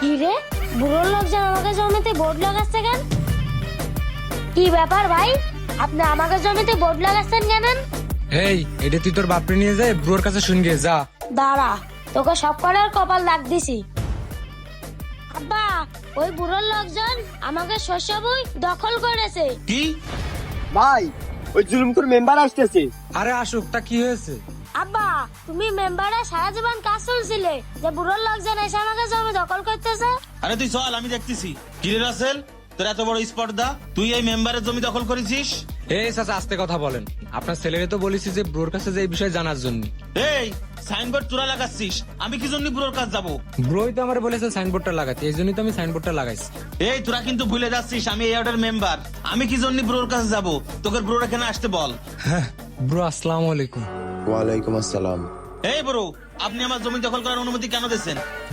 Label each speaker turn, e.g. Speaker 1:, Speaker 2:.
Speaker 1: কি রে, বুড়োর লোকজন আমাকে জমিতে বোর্ড লাগাচ্ছে কেন? কি ব্যাপার ভাই, আপনি আমাকে জমিতে বোর্ড লাগাচ্ছেন কেন?
Speaker 2: এই এটা তুই তোর বাপরে নিয়ে যায় ব্রোর কাছে শুন গিয়ে যা।
Speaker 1: দাঁড়া, তোকে সব করার কপাল দাগ দিছি। আব্বা, ওই বুড়োর লোকজন আমাকে শস্য বই দখল করেছে।
Speaker 3: কি?
Speaker 4: ভাই, ওই জুলুমপুর মেম্বার আসতেছে।
Speaker 2: আরে আসুক, তা কি হয়েছে?
Speaker 1: আব্বা, তুমি মেম্বারে সারা জীবন কাজ চলছিলে, যে বুড়োর লোকজন এসে আমাকে জমি দখল করতেছে।
Speaker 3: আরে তুই চল, আমি দেখতেছি। কিরে রাসেল, তোর এত বড় স্পর্ধা, তুই এই মেম্বারের জমি দখল করেছিস?
Speaker 2: এই চাচা আস্তে কথা বলেন। আপনার ছেলেকে তো বলেছি যে ব্রোর কাছে যে এই বিষয়ে জানার জন্য।
Speaker 3: এই সাইনবোর্ড তোরা লাগাচ্ছিস, আমি কি জন্য বুড়োর কাছে যাবো?
Speaker 2: ব্রোই তো আমার বলেছে সাইনবোর্ডটা লাগাতে, এই জন্যই তো আমি সাইনবোর্ডটা লাগাইছি।
Speaker 3: এই তোরা কিন্তু ভুলে যাচ্ছিস, আমি এই ওয়ার্ডের মেম্বার। আমি কি জন্য বুড়োর কাছে যাবো? তোকে বুড়োর এখানে আসতে বল।
Speaker 2: হ্যাঁ ব্রো, আসসালামু আলাইকুম।
Speaker 5: ওয়ালাইকুম আসসালাম।
Speaker 3: এই বুড়ো, আপনি আমার জমি দখল করার অনুমতি কেন দিচ্ছেন?